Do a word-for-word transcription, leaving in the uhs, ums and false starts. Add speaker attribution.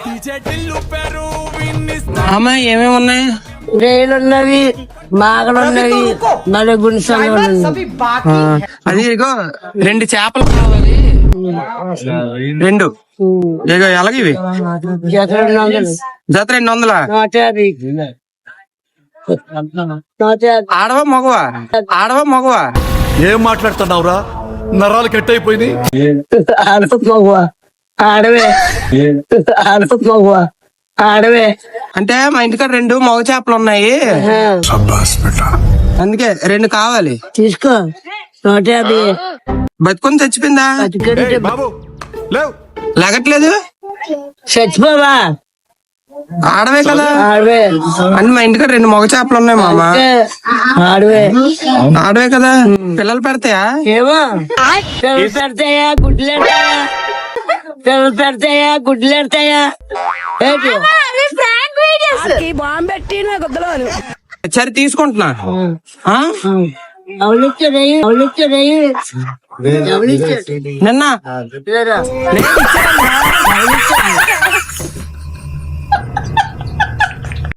Speaker 1: అమ్మా ఏమేమి ఉన్నాయి?
Speaker 2: రేలు ఉన్నవి, మాగలు ఉన్నవి, నలుగు గుంసాలు ఉన్నవి.
Speaker 1: అది ఇగో రెండు చేపలు కావాలి, రెండు ఇగో ఎలాగ ఇవి
Speaker 2: జత రెండు వందలు,
Speaker 1: జత రెండు వందల
Speaker 2: నూట యాభై, నూట యాభై.
Speaker 1: ఆడవా మగవా? ఆడవా మగవా?
Speaker 3: ఏం మాట్లాడుతున్నావురా? నరాలు కట్ అయిపోయినాయి.
Speaker 2: ఆడవ మగవా? ఆడవే. ఆడవ మగవా? ఆడవే.
Speaker 1: అంటే మా ఇంటికాడ రెండు మగ చేపలు ఉన్నాయి, అందుకే రెండు కావాలి.
Speaker 2: తీసుకో, నూట యాభై.
Speaker 1: బతుకొని చచ్చిపోయిందా?
Speaker 3: బాబు లేవు,
Speaker 1: లగట్లేదు.
Speaker 2: చచ్చిపోవా?
Speaker 1: ఆడవే కదా.
Speaker 2: ఆడవే.
Speaker 1: అంటే మా ఇంటికాడ రెండు మగ చేపలు ఉన్నాయి మామ.
Speaker 2: ఆడవే.
Speaker 1: ఆడవే కదా. పిల్లలు పెడతాయా?
Speaker 2: ఏమో, పిల్లలు పెడతాయా గుడ్లు పెడతాయా? పిల్లలు పెడతాయా గుడ్లు పెడతాయా? ఏంటి
Speaker 1: సరే తీసుకుంటున్నా. ఆ?
Speaker 2: అవునిచ్చాడు, అవునిచ్చాడు,
Speaker 1: నిన్న
Speaker 2: లేదా?
Speaker 1: నేను ఇచ్చానమ్మా.